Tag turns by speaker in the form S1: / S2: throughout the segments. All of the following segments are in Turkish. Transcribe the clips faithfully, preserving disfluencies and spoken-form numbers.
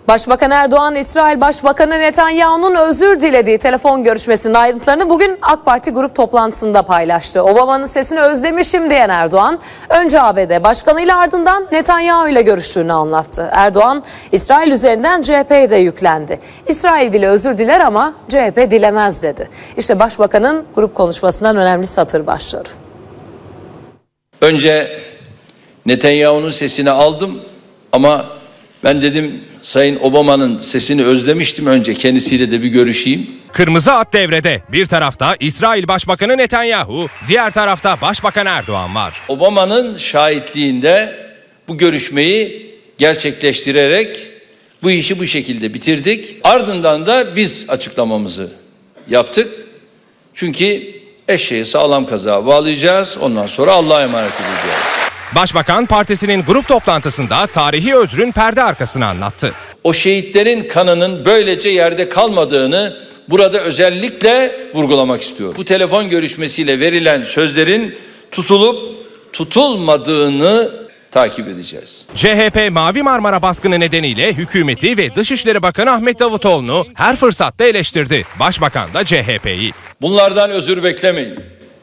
S1: Başbakan Erdoğan, İsrail Başbakanı Netanyahu'nun özür dilediği telefon görüşmesinin ayrıntılarını bugün AK Parti grup toplantısında paylaştı. Obama'nın sesini özlemişim diyen Erdoğan, önce A B D Başkanı'yla ardından Netanyahu ile görüştüğünü anlattı. Erdoğan, İsrail üzerinden C H P'ye de yüklendi. İsrail bile özür diler ama C H P dilemez dedi. İşte Başbakanın grup konuşmasından önemli satır başları.
S2: Önce Netanyahu'nun sesini aldım ama ben dedim Sayın Obama'nın sesini özlemiştim, önce kendisiyle de bir görüşeyim.
S3: Kırmızı at devrede. Bir tarafta İsrail Başbakanı Netanyahu, diğer tarafta Başbakan Erdoğan var.
S2: Obama'nın şahitliğinde bu görüşmeyi gerçekleştirerek bu işi bu şekilde bitirdik. Ardından da biz açıklamamızı yaptık. Çünkü eşeği sağlam kazığa bağlayacağız. Ondan sonra Allah'a emanet edeceğiz.
S3: Başbakan partisinin grup toplantısında tarihi özrün perde arkasını anlattı.
S2: O şehitlerin kanının böylece yerde kalmadığını burada özellikle vurgulamak istiyorum. Bu telefon görüşmesiyle verilen sözlerin tutulup tutulmadığını takip edeceğiz.
S3: C H P Mavi Marmara baskını nedeniyle hükümeti ve Dışişleri Bakanı Ahmet Davutoğlu'nu her fırsatta eleştirdi. Başbakan da C H P'yi.
S2: Bunlardan özür beklemeyin.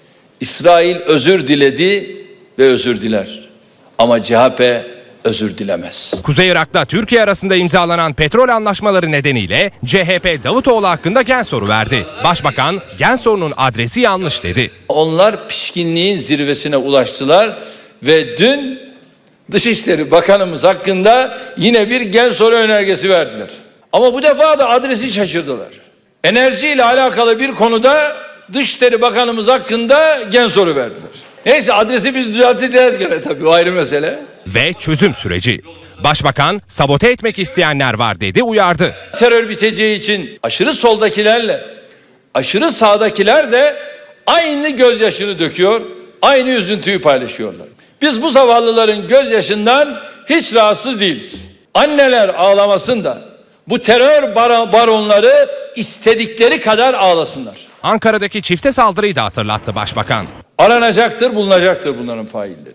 S2: İsrail özür diledi ve özür diler. Ama C H P özür dilemez.
S3: Kuzey Irak'ta Türkiye arasında imzalanan petrol anlaşmaları nedeniyle C H P Davutoğlu hakkında gen soru verdi. Başbakan gen sorunun adresi yanlış dedi.
S2: Onlar pişkinliğin zirvesine ulaştılar ve dün Dışişleri Bakanımız hakkında yine bir gen soru önergesi verdiler. Ama bu defa da adresi şaşırdılar. Enerjiyle alakalı bir konuda Dışişleri Bakanımız hakkında gen soru verdiler. Neyse, adresi biz düzelteceğiz gene, tabii o ayrı mesele.
S3: Ve çözüm süreci. Başbakan sabote etmek isteyenler var dedi, uyardı.
S2: Terör biteceği için aşırı soldakilerle aşırı sağdakiler de aynı gözyaşını döküyor, aynı üzüntüyü paylaşıyorlar. Biz bu zavallıların gözyaşından hiç rahatsız değiliz. Anneler ağlamasın da bu terör bar- baronları istedikleri kadar ağlasınlar.
S3: Ankara'daki çifte saldırıyı da hatırlattı Başbakan.
S2: Aranacaktır, bulunacaktır bunların failleri.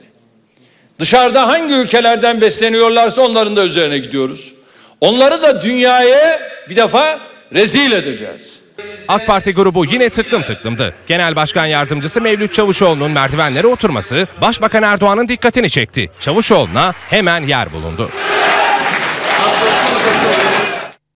S2: Dışarıda hangi ülkelerden besleniyorlarsa onların da üzerine gidiyoruz. Onları da dünyaya bir defa rezil edeceğiz.
S3: AK Parti grubu yine tıklım tıklımdı. Genel Başkan Yardımcısı Mevlüt Çavuşoğlu'nun merdivenlere oturması Başbakan Erdoğan'ın dikkatini çekti. Çavuşoğlu'na hemen yer bulundu.